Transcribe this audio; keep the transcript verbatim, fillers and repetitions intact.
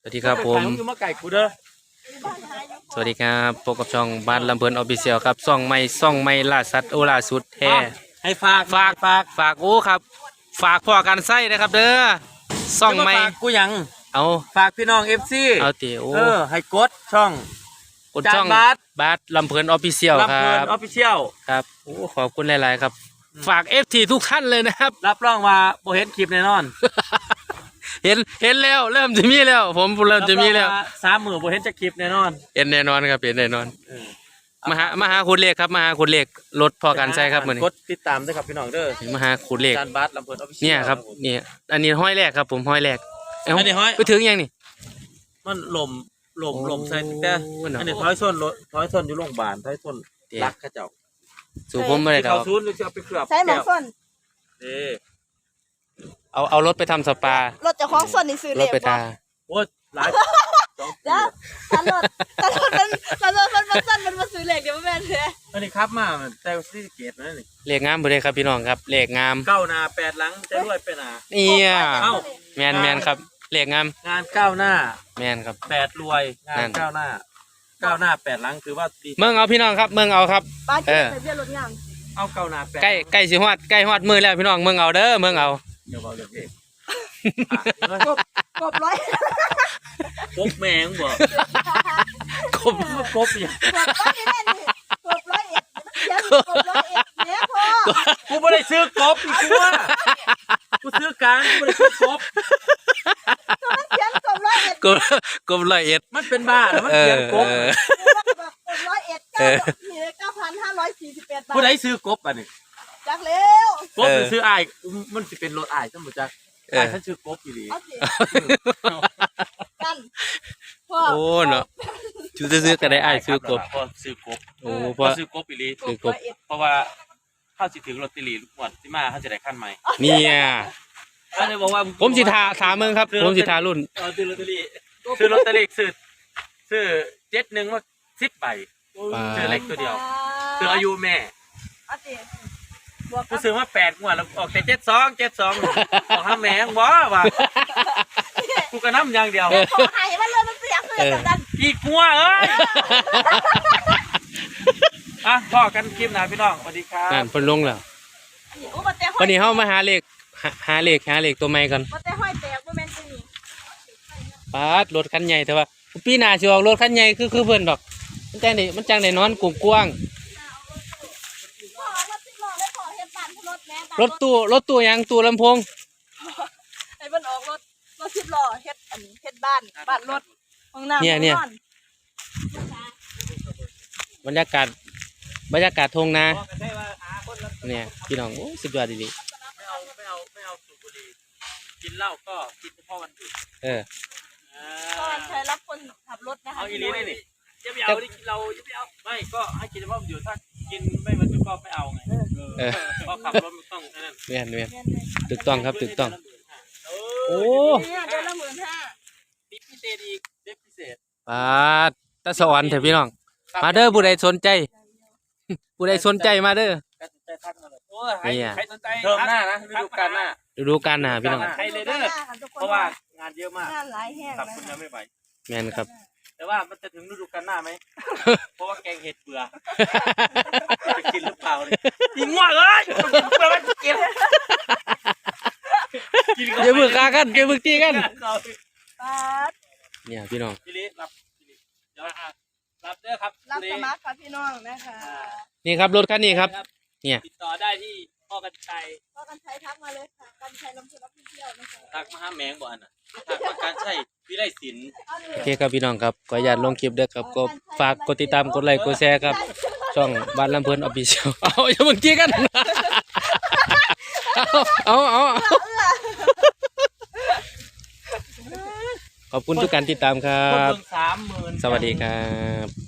สวัสดีครับผมมาไก่กูเด้อสวัสดีครับพบกับช่องบ้านลำเพลินออฟฟิเชียลครับซ่องไม่ซ่องไม่ล่าสัตว์โอล่าสุดแท้ให้ฝากฝากฝากฝากโอ้ครับฝากพ่อการไส้นะครับเด้อซ่องไม่กูยังเอาฝากพี่น้องเอฟซีเอาเตี๋ยวเออให้กดช่องกดช่องบาสบาสลำเพลินออฟฟิเชียลครับลำเพลินออฟฟิเชียลครับโอ้ขอบคุณหลายๆครับฝากเอฟทีทุกท่านเลยนะครับรับรองว่าโบเห็นคลิปแน่นอนเห็นเห็นแล้วเริ่มจะมีแล้วผมเริ่มจะมีแล้วสามหมื่นโบเห็นจะคลิปแน่นอนเห็นแน่นอนครับเห็นแน่นอนมาหามาหาคุณเลขครับมาหาคุณเลขรถพอกันใช่ครับเหมือนกดติดตามด้วยครับพี่น้องเด้อมาหาคุณเลขการบาสลำเพลินออฟฟิเชียลเนี่ยครับเนี่ยอันนี้ห้อยแรกครับผมห้อยแรกอันนี้ห้อยไปถึงยังนี่มันหล่มหล่มหล่มใส่แต่อันนี้ท้อยส้นรถท้อยส้นอยู่โรงพยาบาลท้อยส้นรักข้าเจ้าสู่ผมไม่ได้เขาซูนหรือจะเอาไปเคลือบใช้หมอส้นเออเอาเอารถไปทำสปารถจะคล้องส้นนี่ซื้อรถไปทาโอ้หลายเดี๋ยวตลอดตลอดมันตลอดมันมันสั้นมันมาซื้อเหล็กเดี๋ยวมันแม่นเลยอันนี้ครับมาแต่ซีเกตนะนี่เหล็กงามบ่ได้ครับพี่น้องครับเหล็กงามเก้าหน้าแปดหลังจะรวยไปหน้าเนี่ยแมนแมนครับเหล็กงามงานเก้าหน้าแมนครับแปดรวยงานเก้าหน้าเก้าหน้าแปดหลังถือว่าดีเมืองเอาพี่น้องครับเมืองเอาครับเออเบี้ยรถงามเอาเก้าหน้าแปดใกล้ใกล้สิฮอดใกล้ฮอดมือแล้วพี่น้องเมืองเอาเด้อเมืองเอาเดี๋ยวเอาเรื่องเองกบกบร้อยกบแมงบ่กบกบอย่างกบร้อยเอ็ดกบร้อยเอ็ดเนี่ยพ่อกูไม่ได้ซื้อกบอีกตัวกูซื้อการกูไม่ได้ซื้อกบมันเขียนกบร้อยเอ็ดกบกบร้อยเอ็ดมันเป็นบ้าแล้วมันเขียนกบกบร้อยเอ็ดเก้าเก้าพันห้าร้อยสี่สิบแปดบาทกูได้ซื้อกบอ่ะนี่จักเร็วกบซื้อไอ้มันจะเป็นรถไอ้ทั้งหมดจักไอ้ฉันซื้อกบอยู่ดีกันโอ้เนาะชูซื้อกันได้ไอ้ซื้อกบพอซื้อกบโอ้พอซื้อกบอีหลีซื้อกบเพราะว่าเข้าสิถึงรถติลีลูกหมดที่มาเขาจะได้ขั้นใหม่เนี่ยเขาเลยบอกว่าผมสิทาสามเมืองครับผมสิทารุ่นซื้อลอตเตอรี่ซื้อลอตเตอรี่ซื้อซื้อเจ็ดหนึ่งว่าสิบใบซื้อเล็กตัวเดียวซื้ออายุแม่กูซื้อมาแปดงวดแล้วออกแต่เจ็ดสองเจ็ดสองออกห้าแมงบ่ว่ะกูกระน้ำอย่างเดียวขอให้มันเลยมันเสียเพื่อนกันอีกงัวเอ้ยอ่ะพ่อกันคลิปหนาพี่น้องสวัสดีครับนั่นเพิ่นลงแล้ววันนี้เฮามาหาเลขหาเลขหาเลขตัวใหม่กันบ่แต่ห้อยแตกบ่แม่นจังนี่ปาดรถคันใหญ่แต่ว่าปีหน้าสิออกรถคันใหญ่คือคือเพิ่นดอกมันจังได้มันจังได้นอนกว้างรถตู้รถตู้ยังตู้ลำโพงไอ้มันออกรถรถสิบล้อเฮ็ดอันเฮ็ดบ้านบ้านรถห้องน้ำเนี่ยเนี่ยบรรยากาศบรรยากาศทงนาเนี่ยพี่น้องโอ้สุดยอดดีไม่เอาไม่เอาไม่เอาสูบบุหรี่กินเหล้าก็กินเฉพาะวันหยุดเออก็ใช้รับคนขับรถนะคะเอาอีลีนี่นี่จะไม่เอาเราจะไม่เอาไม่ก็ให้กินเฉพาะวันหยุดถ้ากินไม่วันหยุดก็ไม่เอาไงเออเพราะขับรถมันต้องนั่นเวียนเวียนถูกต้องครับถูกต้องโอ้เดือนละหมื่นห้าดิพิเศษอีกดิพิเศษปาดตะสวรรค์เถอะพี่น้องมาเด้อผู้ใดสนใจผู้ใดสนใจมาเด้อนี่ใครสนใจเทิมหน้านะฤดูกาลหน้าฤดูกาลหน้าพี่น้องใครเลยเด้อเพราะว่างานเยอะมากงานหลายแห้งครับคุณยังไม่ไหวแม่นครับแต่ว่ามันจะถึงฤดูกาลหน้าไหมเพราะว่าแกงเห็ดเบื่อจะกินหรือเปล่าเลยยิงว่าเลยเบื่อมันกินเดี๋ยวมึงกากันเดี๋ยวมึงตีกันเนี่ยพี่น้องพี่ลิรับเดี๋ยวรับเด้อครับรับสมัครครับพี่น้องนะคะนี่ครับรถคันนี้ครับเนี่ยติดต่อได้ที่พ่อกันชัยพ่อกันชัยทักมาเลยค่ะกันชัยลำพูนรับเที่ยวนะคะทักมาหาแมงบ่อันน่ะทักมาการชัยวิไลศิลป์โอเคครับพี่น้องครับขออนุญาตลงคลิปด้วยครับก็ฝากกดติดตามกดไลค์กดแชร์ครับช่องบ้านลำเพลินออฟฟิเชียลเอาอย่ามึงตีกันเอาเอาขอบคุณทุกการติดตามครับสวัสดีครับ